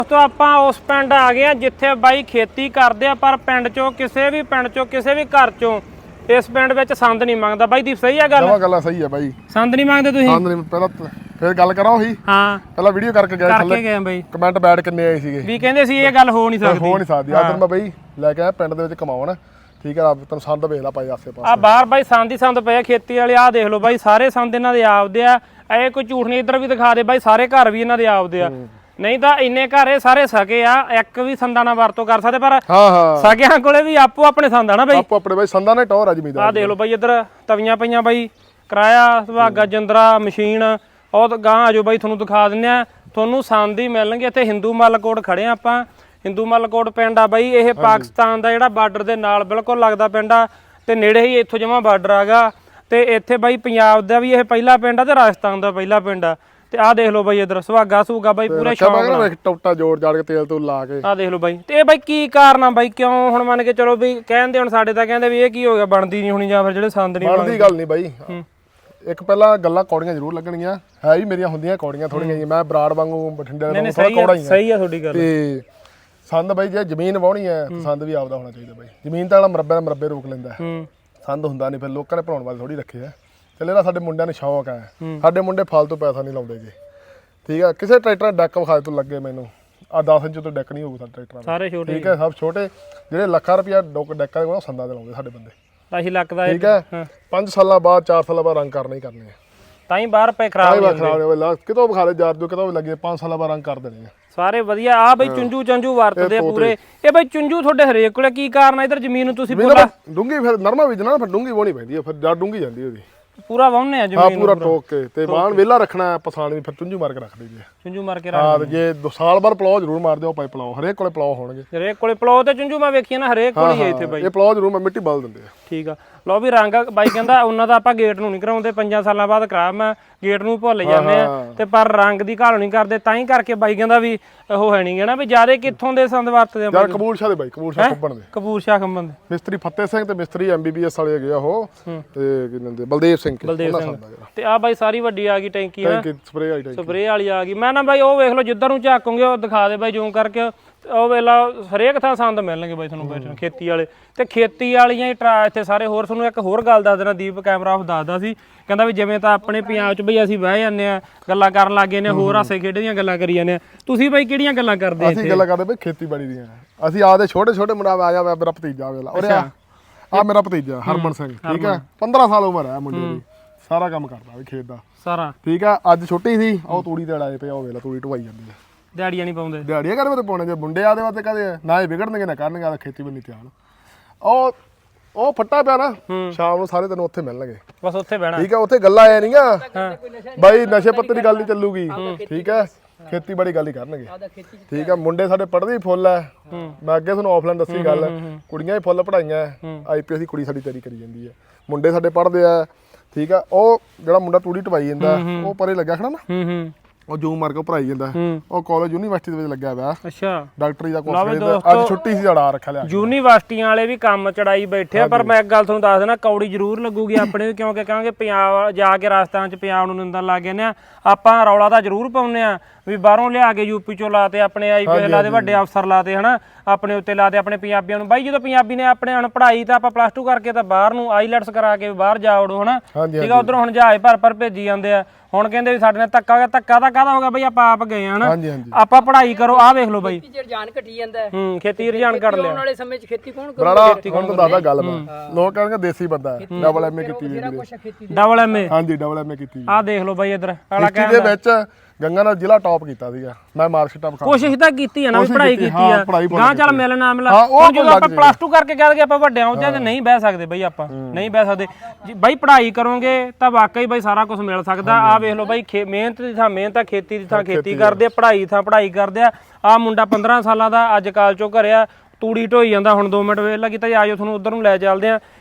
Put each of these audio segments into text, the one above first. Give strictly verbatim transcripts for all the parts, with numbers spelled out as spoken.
ਦੋਸਤੋ ਆਪਾਂ ਉਸ ਪਿੰਡ ਆ ਗਏ ਆ ਜਿੱਥੇ ਬਾਈ ਖੇਤੀ ਕਰਦੇ ਆ, ਪਰ ਪਿੰਡ ਚੋਂ ਕਿਸੇ ਵੀ ਪਿੰਡ ਚੋਂ ਕਿਸੇ ਵੀ ਘਰ ਚੋਂ ਇਸ ਪਿੰਡ ਵਿੱਚ ਸੰਦ ਨਹੀਂ ਮੰਗਦਾ। ਬਾਈ ਦੀ ਸਹੀ ਆ ਗੱਲ? ਜਮਾ ਗੱਲ ਸਹੀ ਆ ਬਾਈ, ਸੰਦ ਨਹੀਂ ਮੰਗਦੇ ਤੁਸੀਂ? ਸੰਦ ਨਹੀਂ। ਪਹਿਲਾਂ ਫੇਰ ਗੱਲ ਕਰਾਂ ਉਹੀ, ਹਾਂ ਪਹਿਲਾਂ ਵੀਡੀਓ ਕਰਕੇ ਗਏ ਕਰਕੇ ਗਏ ਬਾਈ, ਕਮੈਂਟ ਬੈਡ ਕਿੰਨੇ ਆਏ ਸੀਗੇ ਵੀ ਕਹਿੰਦੇ ਸੀ ਇਹ ਗੱਲ ਹੋ ਨਹੀਂ ਸਕਦੀ, ਹੋ ਨਹੀਂ ਸਕਦੀ। ਅੱਜ ਮੈਂ ਬਾਈ ਲੈ ਕੇ ਆਇਆ ਪਿੰਡ ਦੇ ਵਿੱਚ ਕਮਾਉਣ, ਠੀਕ ਆ। ਤੈਨੂੰ ਸੰਦ ਵੇਖ ਲਾ ਪਾਈ ਆਸੇ ਪਾਸੇ ਆ ਬਾਹਰ ਬਾਈ ਸੰਦ ਹੀ ਸੰਦ ਪਏ ਖੇਤੀ ਵਾਲੇ। ਆ ਦੇਖ ਲਓ ਬਾਈ, ਸਾਰੇ ਸੰਦ ਇਹਨਾਂ ਦੇ ਆਪਦੇ ਆ। ਇਹ ਕੋਈ ਝੂਠ ਨਹੀਂ, ਇੱਧਰ ਵੀ ਦਿਖਾ ਦੇ ਬਾਈ, ਸਾਰੇ ਘਰ ਵੀ ਇਹਨਾਂ ਦੇ ਆਪਦੇ ਆ। ਨਹੀਂ ਤਾਂ ਇੰਨੇ ਘਰ ਇਹ ਸਾਰੇ ਸਕੇ ਆ, ਇੱਕ ਵੀ ਸੰਦਾਂ ਨਾਲ ਵਰਤੋਂ ਕਰ ਸਕਦੇ, ਪਰ ਹਾਂ ਹਾਂ ਸਕਿਆਂ ਕੋਲੇ ਵੀ ਆਪੋ ਆਪਣੇ ਸੰਦ ਆ ਨਾ ਬਾਈ। ਆਪੋ ਆਪਣੇ ਬਾਈ ਸੰਦਾਂ ਨੇ ਟੌਰ ਆ ਜ਼ਮੀਨਦਾਰ। ਆ ਦੇਖ ਲਓ ਬਾਈ, ਇੱਧਰ ਤਵੀਆਂ ਪਈਆਂ ਬਾਈ, ਕਿਰਾਇਆ ਸੁਹਾਗਾ ਜੰਦਰਾ ਮਸ਼ੀਨ। ਉਹ ਗਾਂ ਆਜੋ ਬਾਈ, ਤੁਹਾਨੂੰ ਦਿਖਾ ਦਿੰਦੇ ਆ। ਤੁਹਾਨੂੰ ਸੰਦ ਹੀ ਮਿਲਣਗੇ ਇੱਥੇ। ਹਿੰਦੂ ਮੱਲ ਕੋਟ ਖੜੇ ਆ ਆਪਾਂ, ਹਿੰਦੂ ਮੱਲ ਕੋਟ ਪਿੰਡ ਆ ਬਾਈ। ਇਹ ਪਾਕਿਸਤਾਨ ਦਾ ਜਿਹੜਾ ਬਾਰਡਰ ਦੇ ਨਾਲ ਬਿਲਕੁਲ ਲੱਗਦਾ ਪਿੰਡ ਆ, ਤੇ ਨੇੜੇ ਹੀ ਇੱਥੋਂ ਜਮਾ ਬਾਰਡਰ ਆਗਾ। ਤੇ ਇੱਥੇ ਬਾਈ ਪੰਜਾਬ ਦਾ ਵੀ ਇਹ ਪਹਿਲਾ ਪਿੰਡ ਆ ਤੇ ਰਾਜਸਥਾਨ ਦਾ ਪਹਿਲਾ ਪਿੰਡ ਆ। ਤੇ ਆਹ ਦੇਖ ਲਓ ਬਾਈ, ਇੱਧਰ ਸੁਹਾਗਾ ਸੁਹਾਗਾ ਬਾਈ ਪੂਰੇ ਸ਼ੌਕ ਨਾਲ ਟੋਟਾ ਜੋੜ ਜਾੜ ਕੇ ਤੇਲ ਤੂਲ ਲਾ ਕੇ। ਆਹ ਦੇਖ ਲਓ ਬਾਈ। ਤੇ ਇਹ ਬਾਈ ਕੀ ਕਾਰਨ ਆ ਬਾਈ, ਕਿਉਂ ਹੁਣ ਮੰਨ ਕੇ ਚਲੋ ਵੀ ਕਹਿੰਦੇ ਹੁਣ ਸਾਡੇ ਤਾਂ ਕਹਿੰਦੇ ਵੀ ਇਹ ਕੀ ਹੋ ਗਿਆ, ਬਣਦੀ ਨਹੀਂ ਹੋਣੀ ਜਾਂ ਫਿਰ ਜਿਹੜੇ ਸੰਦ ਨਹੀਂ ਬਣਦੀ ਗੱਲ ਨਹੀਂ ਬਾਈ। ਇੱਕ ਪਹਿਲਾਂ ਗੱਲਾਂ ਕੌੜੀਆਂ ਜ਼ਰੂਰ ਲੱਗਣਗੀਆਂ, ਹੈ ਵੀ ਮੇਰੀਆਂ ਹੁੰਦੀਆਂ ਕੌੜੀਆਂ ਥੋੜੀਆਂ ਜੀ। ਮੈਂ ਬਰਾੜ ਵਾਂਗੂ ਬਠਿੰਡੇ ਵਾਲਾ ਥੋੜਾ ਕੌੜਾ ਹੀ ਆ। ਸਹੀ ਆ ਤੁਹਾਡੀ ਗੱਲ। ਤੇ ਸੰਦ ਬਾਈ ਜੇ ਜ਼ਮੀਨ ਵਾਹਣੀ ਹੈ ਸੰਦ ਵੀ ਆਪਦਾ ਹੋਣਾ ਚਾਹੀਦਾ ਬਾਈ। ਜ਼ਮੀਨ ਤਾਂ ਵਾਲਾ ਮਰੱਬੇ ਦਾ ਮਰੱਬੇ ਰੋਕ ਲੈਂਦਾ, ਸੰਦ ਹੁੰਦਾ ਨਹੀਂ। ਫਿਰ ਲੋਕਾਂ ਨੇ ਭਰਾਉਣ ਵਾਲੇ ਥੋੜੀ ਰੱਖੇ ਆ। ਚੱਲੇ ਨਾ, ਸਾਡੇ ਮੁੰਡਿਆਂ ਨੂੰ ਸ਼ੌਕ ਹੈ, ਸਾਡੇ ਮੁੰਡੇ ਫਾਲਤੂ ਪੈਸਾ ਨਹੀਂ ਲਾਉਂਦੇ ਜੀ, ਠੀਕ ਆ। ਕਿਸੇ ਟਰੈਕਟਰ ਡੈਕ ਵਿਖਾ ਤੋਂ ਲੱਗੇ ਮੈਨੂੰ, ਆ ਦਸ ਇੰਚ ਤੋਂ ਡੈਕ ਨਹੀਂ ਹੋਊਗਾ ਸਾਡੇ ਟਰੈਕਟਰਾਂ ਸਾਰੇ ਛੋਟੇ, ਠੀਕ ਹੈ। ਸਭ ਛੋਟੇ ਜਿਹੜੇ ਲੱਖਾਂ ਰੁਪਇਆ ਡੋਕ ਡੈਕਾਂ ਦੇ ਸੰਦਾਂ ਦੇ ਲਾਉਂਦੇ ਸਾਡੇ ਬੰਦੇ। ਆਹੀ ਲੱਕ ਦਾ, ਠੀਕ ਹੈ। ਪੰਜ ਸਾਲਾਂ ਬਾਅਦ ਚਾਰ ਸਾਲਾਂ ਬਾਅਦ ਰੰਗ ਕਰਨੇ ਹੀ ਕਰਨੇ ਆ, ਤਾਂ ਹੀ ਬਾਹਰ ਪਏ ਖਰਾਬ ਹੋ ਜਾਂਦੇ। ਕਿਤੋਂ ਵਿਖਾ ਲੈ ਯਾਰ, ਕਿਤੋਂ ਵੀ ਲੱਗੇ ਪੰਜ ਸਾਲਾਂ ਬਾਅਦ ਰੰਗ ਕਰ ਦੇਣੇ ਆ ਸਾਰੇ ਵਧੀਆ। ਆ ਬਈ ਚੁੰਝੂ ਚੰਝੂ ਵਰਤਦੇ ਆ ਪੂਰੇ। ਇਹ ਬਈ ਚੁੰਝੂ ਤੁਹਾਡੇ ਹਰੇਕ ਕੋਲੇ ਕੀ ਕਾਰਨ ਆ? ਇਧਰ ਜ਼ਮੀਨ ਨੂੰ ਤੁਸੀਂ ਪੂਰਾ ਡੂੰਗੀ, ਫਿਰ ਨਰਮਾ ਬੀਜਣਾ, ਫਿਰ ਡੂੰਗੀ ਵਾਹਣੀ ਪੈਂਦੀ ਹੈ, ਫਿਰ ਜੜ ਡੂੰਗੀ ਜਾਂਦੀ ਉਹਦੀ। ਪੂਰਾ ਵਾਹੁੰਨੇ ਆ ਹਾਂ ਜ਼ਮੀਨ ਪੂਰਾ ਟੋਕ ਕੇ, ਤੇ ਬਾਣ ਵਿਹਲਾ ਰੱਖਣਾ, ਪਸਾਣ ਵੀ ਫਿਰ ਚੁੰਝੂ ਮਾਰ ਕੇ ਰੱਖ ਦਈਦੀ ਹੈ। ਚੁੰਝੂ ਮਾਰ ਕੇ ਹਾਂ, ਜੇ ਦੋ ਸਾਲ ਬਾਅਦ ਪਲਾਉ ਜ਼ਰੂਰ ਮਾਰ ਦਿਓ ਭਾਈ। ਪਲਾਉ ਹਰੇਕ ਕੋਲੇ ਪਲਾਉ ਹੋਣਗੇ, ਹਰੇਕ ਕੋਲੇ ਪਲਾਉ ਤੇ ਚੁੰਝੂ ਮੈਂ ਵੇਖੀਆਂ ਨਾ, ਹਰੇਕ ਕੋਲੇ ਹੀ ਇੱਥੇ ਬਾਈ। ਇਹ ਪਲਾਉ ਜ਼ਰੂਰ ਮੈਂ ਮਿੱਟੀ ਬਲ ਦਿੰਦੇ ਆ। ਠੀਕ ਆ। ਲਓ ਵੀ ਰੰਗ ਬਾਈ ਕਹਿੰਦਾ ਉਹਨਾਂ ਦਾ ਆਪਾਂ ਗੇਟ ਨੂੰ ਨਹੀਂ ਕਰਾਉਂਦੇ, ਪੰਜਾਂ ਸਾਲਾਂ ਬਾਅਦ ਕਰਾ ਮੈਂ ਗੇਟ ਨੂੰ ਭੁੱਲ ਜਾਂਦੇ ਆ, ਤੇ ਪਰ ਰੰਗ ਦੀ ਘਾਲ ਨਹੀਂ ਕਰਦੇ। ਤਾਂ ਹੀ ਕਰਕੇ ਬਾਈ ਕਹਿੰਦਾ ਵੀ ਉਹ ਹੈ ਨਹੀਂ ਗਾ ਨਾ ਵੀ ਜਿਆਦੇ ਕਿੱਥੋਂ ਦੇ ਸੰਦ ਵਰਤਦੇ ਆ ਯਾਰ। ਕਬੂਲ ਸ਼ਾਹ ਦੇ ਬਾਈ, ਕਬੂਲ ਸ਼ਾਹ ਖੁੱਬਣ ਦੇ, ਕਪੂਰ ਸ਼ਾਹ ਖੰਬਨ ਦੇ ਮਿਸਤਰੀ ਫਤਿਹ ਸਿੰਘ ਤੇ ਮਿਸਤਰੀ ਐਮਬੀਬੀਐਸ ਵਾਲੇ ਹੈਗੇ ਆ ਉਹ, ਤੇ ਕੀ ਕਹਿੰਦੇ ਬਲਦੇਵ ਸਿੰਘ। ਬਲਦੇਵ ਸਿੰਘ। ਤੇ ਆ ਬਾਈ ਸਾਰੀ ਵੱਡੀ ਆ ਗਈ ਟੈਂਕੀ ਨਾ, ਸਪਰੇ ਵਾਲੀ ਟੈਂਕੀ, ਸਪਰੇ ਵਾਲੀ ਆ ਗਈ। ਮੈਂ ਨਾ ਬਾਈ ਉਹ ਵੇਖ ਲਓ, ਜਿੱਧਰ ਨੂੰ ਝਾਕੋਗੇ ਉਹ ਦਿਖਾ ਦੇ ਬਾਈ ਜ਼ੂਮ ਕਰਕੇ। ਉਹ ਵੇਲਾ ਹਰੇਕ ਥਾਂ ਸੰਦ ਮਿਲਣਗੇ ਬਾਈ ਤੁਹਾਨੂੰ ਬੈਠਣ ਖੇਤੀ ਵਾਲੇ। ਤੇ ਖੇਤੀ ਵਾਲੀਆਂ ਹੀ ਟਰਾ ਇੱਥੇ ਸਾਰੇ। ਹੋਰ ਤੁਹਾਨੂੰ ਇੱਕ ਹੋਰ ਗੱਲ ਦੱਸ ਦੇਣਾ, ਦੀਪ ਕੈਮਰਾ ਆਫ ਦੱਸਦਾ ਸੀ, ਕਹਿੰਦਾ ਵੀ ਜਿਵੇਂ ਤਾਂ ਆਪਣੇ ਪੰਜਾਬ 'ਚ ਬਈ ਅਸੀਂ ਬਹਿ ਜਾਂਦੇ ਆ, ਗੱਲਾਂ ਕਰਨ ਲੱਗ ਗਏ ਨੇ, ਹੋਰ ਹਾਸੇ ਖੇਡੇ ਦੀਆਂ ਗੱਲਾਂ ਕਰੀ ਜਾਂਦੇ ਆ। ਤੁਸੀਂ ਬਾਈ ਕਿਹੜੀਆਂ ਗੱਲਾਂ ਕਰਦੇ? ਅਸੀਂ ਗੱਲਾਂ ਕਰਦੇ ਬਈ ਖੇਤੀਬਾੜੀ ਦੀਆਂ। ਅਸੀਂ ਆਪਦੇ ਛੋਟੇ ਛੋਟੇ ਮੁੰਡਾ ਆ ਜਾ, ਮੇਰਾ ਭਤੀਜਾ ਵੇਲਾ ਉਰੇ ਆ, ਆ ਮੇਰਾ ਭਤੀਜਾ ਹਰਮਨ ਸਿੰਘ, ਠੀਕ ਹੈ। ਪੰਦਰਾਂ ਸਾਲ ਉਮਰ ਹੈ ਮੁੰਡੇ ਦੀ, ਸਾਰਾ ਕੰਮ ਕਰਦਾ ਵੀ ਖੇਤ ਦਾ ਸਾਰਾ, ਠੀਕ ਆ। ਅੱਜ ਛੁੱਟੀ ਸੀ, ਉਹ ਤੂੜੀ ਤੇ ਲਾਏ ਪਿਆ, ਉਹ ਵੇਲਾ ਤੂੜੀ ਢਵਾਈ ਜਾਂਦੀ ਹੈ। ਦਿਹਾੜੀਆਂ ਨਹੀਂ ਪਾਉਂਦੇ? ਦਿਹਾੜੀਆਂ ਕਰਦੇ ਤੇ ਪਾਉਣੇ ਜੇ ਮੁੰਡੇ ਆਦੇ ਵਾਸਤੇ ਕਹਦੇ ਨਾ ਇਹ ਵਿਗੜਨਗੇ ਨਾ ਕਰਨਗੇ, ਆ ਖੇਤੀ ਬੰਨੀ ਧਿਆਨ। ਉਹ ਉਹ ਫੱਟਾ ਪਿਆ ਨਾ, ਸ਼ਾਮ ਨੂੰ ਸਾਰੇ ਤੈਨੂੰ ਉੱਥੇ ਮਿਲਣਗੇ, ਬਸ ਉੱਥੇ ਬਹਿਣਾ, ਠੀਕ ਹੈ। ਉੱਥੇ ਗੱਲਾਂ ਆਇਆ ਨਹੀਂਗਾ ਬਾਈ, ਨਸ਼ੇ ਪੱਤੇ ਦੀ ਗੱਲ ਨਹੀਂ ਚੱਲੂਗੀ, ਠੀਕ ਹੈ। ਖੇਤੀਬਾੜੀ ਗੱਲ ਹੀ ਕਰਨਗੇ, ਠੀਕ ਹੈ। ਮੁੰਡੇ ਸਾਡੇ ਪੜ੍ਹਦੇ ਹੀ ਫੁੱਲ ਐ। ਮੈਂ ਅੱਗੇ ਤੁਹਾਨੂੰ ਆਫਲਾਈਨ ਦੱਸੀ ਗੱਲ, ਕੁੜੀਆਂ ਹੀ ਫੁੱਲ ਪੜਾਈਆਂ। ਆਈਪੀਐਸ ਦੀ ਕੁੜੀ ਸਾਡੀ ਤਿਆਰੀ ਕਰੀ ਜਾਂਦੀ ਹੈ, ਮੁੰਡੇ ਸਾਡੇ ਪੜ੍ਹਦੇ ਆ, ਠੀਕ ਆ। ਉਹ ਜਿਹੜਾ ਮੁੰਡਾ ਤੂੜੀ ਢਵਾਈ ਜਾਂਦਾ, ਉਹ ਪਰੇ ਲੱਗਿਆ ਖੜਾ ਨਾ, ਉਹ ਜੂਮ ਮਾਰ ਕੇ ਭਰਾਈ ਜਾਂਦਾ, ਉਹ ਕਾਲਜ ਯੂਨੀਵਰਸਿਟੀ ਦੇ ਵਿੱਚ ਲੱਗਿਆ ਹੋਇਆ। ਅੱਛਾ, ਡਾਕਟਰੀ ਦਾ ਕੋਰਸ। ਅੱਜ ਛੁੱਟੀ ਸੀ, ਜੜਾ ਰੱਖਿਆ ਲਿਆ। ਯੂਨੀਵਰਸਿਟੀਆਂ ਵਾਲੇ ਵੀ ਕੰਮ ਚੜਾਈ ਬੈਠੇ ਆ, ਪਰ ਮੈਂ ਇੱਕ ਗੱਲ ਤੁਹਾਨੂੰ ਦੱਸ ਦੇਣਾ, ਕੌੜੀ ਜ਼ਰੂਰ ਲੱਗੂਗੀ ਆਪਣੇ, ਕਿਉਂਕਿ ਕਹਾਂਗੇ ਪੰਜਾਬ ਜਾ ਕੇ ਰਾਜਸਥਾਨ 'ਚ ਪੰਜਾਬ ਨੂੰ ਨਿੰਦਣ ਲੱਗ ਗਏ ਨੇ। ਆਪਾਂ ਰੌਲਾ ਤਾਂ ਜ਼ਰੂਰ ਪਾਉਂਦੇ ਆ ਵੀ ਬਾਹਰੋਂ ਲਿਆ ਕੇ ਯੂਪੀ ਚੋਂ ਲਾਤੇ, ਆਪਣੇ ਆਈਪੀਐਸ ਲਾਤੇ, ਵੱਡੇ ਅਫਸਰ ਲਾਤੇ, ਹਨਾ, ਆਪਣੇ ਉੱਤੇ ਲਾਤੇ ਆਪਣੇ ਪੰਜਾਬੀਆਂ ਨੂੰ। ਬਾਈ ਜਦੋਂ ਪੰਜਾਬੀ ਨੇ ਆਪਣੇ ਹੁਣ ਪੜ੍ਹਾਈ ਤਾਂ ਆਪਾਂ ਪਲੱਸ ਟੂ ਕਰਕੇ ਤਾਂ ਬਾਹਰ ਨੂੰ ਆਈਲੈਟਸ ਕਰਾ ਕੇ ਬਾਹਰ ਜਾ ਵੜੋ, ਹਨਾ, ਠੀਕ ਆ। ਉਧਰੋਂ ਹੁਣ ਜਹਾਜ਼ ਭਰ ਭਰ ਭੇਜੀ ਜਾਂਦੇ ਆ। ਹੁਣ ਕਹਿੰਦੇ ਵੀ ਸਾਡੇ ਨਾਲ ਧੱਕਾ ਹੋ ਗਿਆ। ਧੱਕਾ ਤਾਂ ਕਾਹਦਾ ਹੋ ਗਿਆ ਬਈ, ਆਪਾਂ ਆਪ ਗਏ ਹਨਾ, ਆਪਾਂ ਪੜ੍ਹਾਈ ਕਰੋ। ਆਹ ਵੇਖ ਲਓ ਬਾਈ, ਰੁਝਾਨ ਘਟੀ ਜਾਂਦਾ। ਹੂੰ, ਖੇਤੀ ਰੁਝਾਨ ਘਟ ਲਿਆ। ਆਉਣ ਵਾਲੇ ਸਮੇਂ 'ਚ ਖੇਤੀ ਕੌਣ ਕਰੂ? ਬਰਾੜਾ ਹੁਣ ਤਾਂ ਦੱਸਦਾ ਗੱਲ ਮੈਂ, ਲੋਕ ਕਹਿੰਦੇ ਦੇਸੀ ਬੰਦਾ ਹੈ, ਡਬਲ ਐਮਏ ਕੀਤੀ ਵੀ ਵੀਰੇ। Double MA? ਹਾਂਜੀ, ਡਬਲ ਐਮਏ ਕੀਤੀ। ਆਹ ਦੇਖ ਲਓ ਬਾਈ, ਇੱਧਰ ਆਲਾ ਦੇ ਵਿੱਚ ਗੰਗਾ ਨਾਲ ਜ਼ਿਲ੍ਹਾ ਟੌਪ ਕੀਤਾ ਸੀਗਾ ਮੈਂ, ਮਾਰਕਸ਼ੀਟ ਆਪ ਕੋਸ਼ਿਸ਼ ਤਾਂ ਕੀਤੀ ਆ ਨਾ, ਪੜ੍ਹਾਈ ਕੀਤੀ ਆ, ਗਾਂ ਚੱਲ ਮਿਲ ਨਾ ਮਿਲ। ਹੁਣ ਜਦੋਂ ਆਪਾਂ ਪਲੱਸ ਟੂ ਕਰਕੇ ਕਹਿ ਦਈਏ ਆਪਾਂ ਵੱਡਿਆਂ ਉਹਦੇ ਤੇ ਨਹੀਂ ਬਹਿ ਸਕਦੇ ਬਈ, ਆਪਾਂ ਨਹੀਂ ਬਹਿ ਸਕਦੇ। ਬਾਈ ਪੜ੍ਹਾਈ ਕਰੋਗੇ ਤਾਂ ਵਾਕਈ ਬਾਈ ਸਾਰਾ ਕੁਝ ਮਿਲ ਸਕਦਾ। ਆਹ ਵੇਖ ਲਓ ਬਾਈ, ਮਿਹਨਤ ਦੀ ਥਾਂ ਮਿਹਨਤ ਆ, ਖੇਤੀ ਦੀ ਥਾਂ ਖੇਤੀ ਕਰਦੇ ਆ, ਪੜ੍ਹਾਈ ਥਾਂ ਪੜ੍ਹਾਈ ਕਰਦੇ ਆ। ਆਹ ਮੁੰਡਾ ਪੰਦਰਾਂ ਸਾਲਾਂ ਦਾ ਅੱਜ ਕਾਲ ਚੋਂ ਘਰਿਆ, ਤੂੜੀ ਢੋਈ ਜਾਂਦਾ। ਹੁਣ ਦੋ ਮਿੰਟ ਵੇਲਾ ਕੀਤਾ, ਆਜੋ ਤੁਹਾਨੂੰ ਉਧਰ ਨੂੰ ਲੈ ਚੱਲਦੇ ਆ।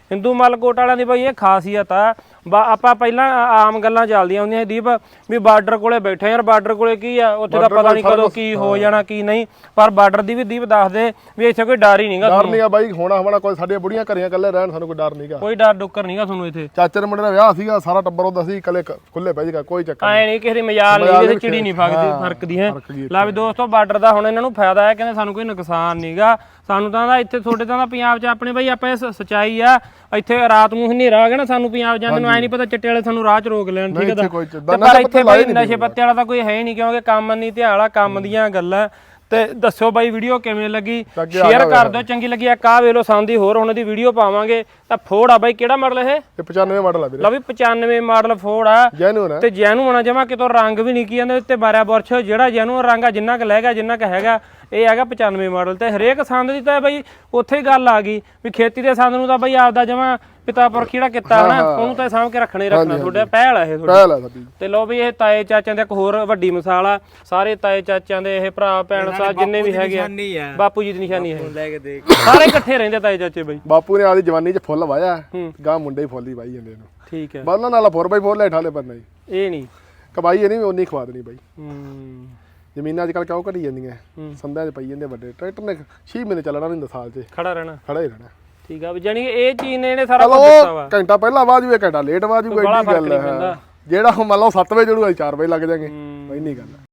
ਹਿੰਦੂ ਮਲਕੋਟ ਵਾਲਿਆਂ ਦੀ ਬਈ ਇਹ ਖਾਸੀਅਤ ਆ। ਬਾ ਆਪਾਂ ਪਹਿਲਾਂ ਆਮ ਗੱਲਾਂ ਚੱਲਦੀਆਂ ਹੁੰਦੀਆਂ ਸੀ ਦੀਪ ਵੀ ਬਾਰਡਰ ਕੋਲੇ ਬੈਠੇ ਯਾਰ, ਬਾਰਡਰ ਕੋਲੇ ਕੀ ਆ, ਉੱਥੇ ਤਾਂ ਪਤਾ ਨਹੀਂ ਕਦੋਂ ਕੀ ਹੋ ਜਾਣਾ ਕੀ ਨਹੀਂ, ਪਰ ਬਾਰਡਰ ਦੀ ਵੀ ਦੀਪ ਦੱਸ ਦੇ ਵੀ ਇੱਥੇ ਕੋਈ ਡਰ ਹੀ ਨਹੀਂਗਾ। ਡਰ ਨਹੀਂਗਾ ਬਾਈ, ਹੋਣਾ ਹੋਣਾ ਕੋਈ, ਸਾਡੀਆਂ ਬੁੜੀਆਂ ਘਰੀਆਂ ਇਕੱਲੇ ਰਹਿਣ, ਸਾਨੂੰ ਕੋਈ ਡਰ ਨਹੀਂਗਾ, ਕੋਈ ਡਰ ਡੁੱਕਰ ਨਹੀਂਗਾ ਤੁਹਾਨੂੰ ਇੱਥੇ। ਚਾਚੇ ਦੇ ਮੁੰਡੇ ਦਾ ਵਿਆਹ ਸੀਗਾ, ਸਾਰਾ ਟੱਬਰ ਉਹਦਾ ਸੀ, ਇਕੱਲੇ ਖੁੱਲੇ ਪੈ ਜੀਗਾ, ਕੋਈ ਚੱਕਰ ਐ ਨਹੀਂ ਕਿਸੇ ਦੀ ਮਜਾਲ ਨਹੀਂ, ਇਹਦੇ ਚਿੜੀ ਨਹੀਂ ਫੱਕਦੀ ਫਰਕਦੀ ਹੈ। ਲੈ ਵੀ ਦੋਸਤੋ ਬਾਰਡਰ ਦਾ ਹੁਣ ਇਹਨਾਂ ਨੂੰ ਫਾਇਦਾ ਹੈ, ਕਹਿੰਦੇ ਸਾਨੂੰ ਕੋਈ ਨੁਕਸਾਨ ਨਹੀਂਗਾ। ਸਾਨੂੰ ਤਾਂ ਇੱਥੇ ਤੁਹਾਡੇ ਤਾਂ ਪੰਜਾਬ 'ਚ ਆਪਣੇ ਬਈ ਆਪਾਂ ਸੱਚਾਈ ਆ, ਇੱਥੇ ਰਾਤ ਨੂੰ ਹਨੇਰਾ ਆ ਗਿਆ ਨਾ, ਸਾਨੂੰ ਪੰਜਾਬ ਜਾਂਦੇ ਨੂੰ ਐ ਨਹੀਂ ਪਤਾ ਚਿੱਟੇ ਵਾਲੇ ਸਾਨੂੰ ਰਾਹ 'ਚ ਰੋਕ ਲੈਣ, ਠੀਕ ਹੈ। ਪਰ ਇੱਥੇ ਬਈ ਨਸ਼ੇ ਪੱਤੇ ਵਾਲਾ ਤਾਂ ਕੋਈ ਹੈ ਹੀ ਨਹੀਂ, ਕਿਉਂਕਿ ਕੰਮ ਨਹੀਂ ਧਿਆਲਾ, ਕੰਮ ਦੀਆਂ ਗੱਲਾਂ। ਤੇ ਦੱਸਿਓ ਬਾਈ ਵੀਡੀਓ ਕਿਵੇਂ ਲੱਗੀ, ਸ਼ੇਅਰ ਕਰ ਦਿਓ, ਚੰਗੀ ਲੱਗੀ ਆ ਕਾ ਵੇਲੋ ਸੰਦੀ ਹੋਰ ਉਹਨਾਂ ਦੀ ਵੀਡੀਓ ਪਾਵਾਂਗੇ। ਤਾਂ ਫੋੜ ਆ ਬਾਈ, ਕਿਹੜਾ ਮਾਡਲ ਇਹ? ਇਹ ਪਚਾਨਵੇਂ ਮਾਡਲ ਆ ਵੀਰੇ, ਲਓ ਵੀ ਪਚਾਨਵੇਂ ਮਾਡਲ ਫੋੜ ਆ, ਜੈਨੂਨ ਹੈ ਤੇ ਜੈਨੂਨ ਆ ਜਮਾ, ਕਿਤੋਂ ਰੰਗ ਵੀ ਨਹੀਂ ਕੀ ਜਾਂਦੇ ਉੱਤੇ ਮਾਰਿਆ ਬੁਰਸ਼, ਜਿਹੜਾ ਜੈਨੂਨ ਰੰਗ ਆ ਜਿੰਨਾ ਕੁ ਲੈ ਗਿਆ ਜਿੰਨਾ ਕੁ ਹੈਗਾ, ਇਹ ਹੈਗਾ ਪਚਾਨਵੇਂ ਮਾਡਲ। ਤੇ ਹਰੇਕ ਸੰਦ ਦੀ ਤਾਂ ਬਈ ਉੱਥੇ ਹੀ ਗੱਲ ਆ ਗਈ ਵੀ ਖੇਤੀ ਦੇ ਸੰਦ ਨੂੰ ਤਾਂ ਬਈ ਆਪਦਾ ਜਮਾ ਪਿਤਾ ਪੁਰਖ ਜਿਹੜਾ ਕੀਤਾ ਨਾ, ਉਹਨੂੰ ਤਾਂ ਸਾਂਭ ਕੇ ਰੱਖਣਾ ਹੀ ਰੱਖਣਾ, ਤੁਹਾਡੇ ਪਹਿਲ ਆ ਇਹ ਪਹਿਲ ਆ ਸਾਡੀ। ਤੇ ਲਓ ਵੀ ਇਹ ਤਾਏ ਚਾਚਿਆਂ ਦੇ ਇੱਕ ਹੋਰ ਵੱਡੀ ਮਿਸਾਲ ਆ, ਸਾਰੇ ਤਾਏ ਚਾਚਿਆਂ ਦੇ ਇਹ ਭਰਾ ਭੈਣ ਸਾਹਿਬ ਜਿੰਨੇ ਵੀ ਹੈਗੇ ਆ, ਬਾਪੂ ਜੀ ਦੀ ਨਿਸ਼ਾਨੀ ਹੈ, ਲੈ ਕੇ ਦੇਖ ਸਾਰੇ ਇਕੱਠੇ ਰਹਿੰਦੇ ਤਾਏ ਚਾਚੇ ਬਈ। ਬਾਪੂ ਨੇ ਆਦੀ ਜਵਾਨੀ 'ਚ ਫੁੱਲ ਵਾਇਆ, ਗਾਂ ਮੁੰਡੇ ਹੀ ਫੁੱਲ ਹੀ ਵਾਈ ਜਾਂਦੇ ਇਹਨੂੰ, ਠੀਕ ਹੈ। ਬਾਲਾਂ ਨਾਲ ਫੋਰ ਬਾਈ ਫੋਰ ਲੈ ਠਾਲੇ ਪੰਨਾ ਜੀ, ਇਹ ਨਹੀਂ ਕਬਾਈ ਇਹ ਨਹੀਂ ਉਨੀ ਖਵਾ ਦੇਣੀ ਬਾਈ। ਹੂੰ ਜ਼ਮੀਨਾਂ ਅੱਜ ਕੱਲ ਕਿਉਂ ਘਟੀ ਜਾਂਦੀਆਂ, ਸੰਦਾਂ 'ਚ ਪਈ ਜਾਂਦੇ ਵੱਡੇ ਟਰੈਕਟਰ ਨੇ ਛੇ ਮਹੀਨੇ ਚੱਲਣਾ ਨਹੀਂ, ਸਾਲ 'ਚ ਖੜਾ ਰਹਿਣਾ, ਖੜਾ ਹੀ ਰਹਿਣਾ, ਠੀਕ ਆ ਵੀ ਜਾਨੀ ਇਹ ਚੀਜ਼ ਨੇ ਇਹਨੇ ਸਾਰਾ ਕੁਝ ਦਿੱਤਾ ਵਾ। ਘੰਟਾ ਪਹਿਲਾਂ ਆਵਾਜ਼ ਵੀ ਘੰਟਾ ਲੇਟ ਆਵਾਜ਼ ਵੀ, ਐਡੀ ਗੱਲ ਹੈ। ਜਿਹੜਾ ਮੰਨ ਲਓ ਸੱਤ ਵਜੇ ਜੜੂ ਚਾਰ ਵਜੇ ਲੱਗ ਜਾਗੇ, ਇੰਨੀ ਗੱਲ ਹੈ।